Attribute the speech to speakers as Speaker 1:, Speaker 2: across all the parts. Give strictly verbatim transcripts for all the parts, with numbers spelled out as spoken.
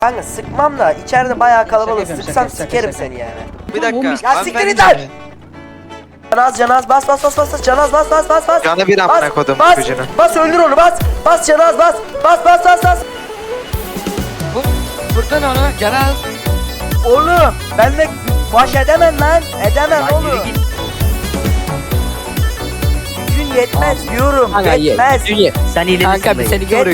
Speaker 1: Kanka sıkmam da içeride bayağı kalabalık.
Speaker 2: Şaka
Speaker 1: Sıksam
Speaker 2: şaka
Speaker 1: sikerim
Speaker 2: şaka.
Speaker 1: seni yani.
Speaker 3: Bir dakika.
Speaker 1: Ya siktir git lan! Canaz canaz bas bas bas bas canaz bas bas bas bas.
Speaker 3: Canı bir amına kodum
Speaker 1: bas,
Speaker 3: gücünü.
Speaker 1: bas öldür onu bas. Bas canaz bas. Bas bas bas bas.
Speaker 2: Bu buradan onu Canaz.
Speaker 1: Oğlum ben de baş edemem lan. Edemem
Speaker 2: Lan yürü
Speaker 1: oğlum.
Speaker 2: git.
Speaker 1: Gücün yetmez diyorum.
Speaker 2: Kanka ye.
Speaker 1: Yetmez.
Speaker 2: Ye.
Speaker 4: Sen iyilemişsin.
Speaker 2: Kanka bir seni görük.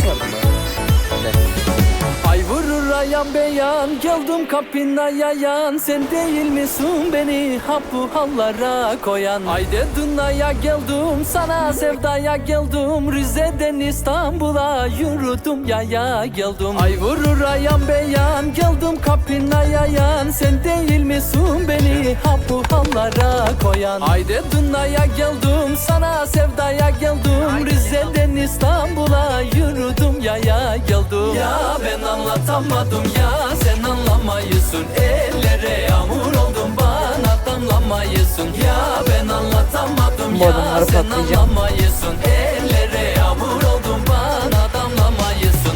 Speaker 5: Ay vurur ayan beyan, geldim kapına yayan. Sen değil misin beni ha bu hallara koyan? Haydi dünyaya geldim, sana sevdaya geldim. Rize'den İstanbul'a yürüdüm yaya geldim. Ay vurur ayan beyan, geldim kapına yayan. Sen değil misin beni ha bu hallara koyan? Haydi dünyaya geldim, sana sevdaya geldim. Rize'den İstanbul'a yürüdüm yaya geldim. Ya ben anlatamadım ya, sen anlamayısın. Ellere yağmur oldum, bana damlamayısın. Ya ben anlatamadım
Speaker 2: Bu
Speaker 5: ya,
Speaker 2: adamları
Speaker 5: sen
Speaker 2: patlayacağım.
Speaker 5: anlamayısın. Ellere yağmur oldum, bana damlamayısın.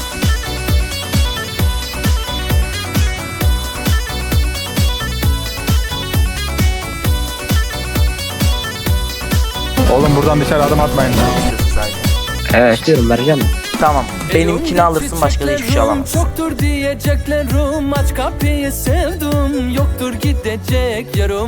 Speaker 6: Oğlum buradan dışarı adım atmayın.
Speaker 4: Evet. İstiyorum vereceğim.
Speaker 1: Tamam. Benimkini alırsın, başka da hiçbir şey alamazsın.
Speaker 5: Çoktur diyeceklerim, aç kapıyı sevdim. Yoktur gidecek yarım.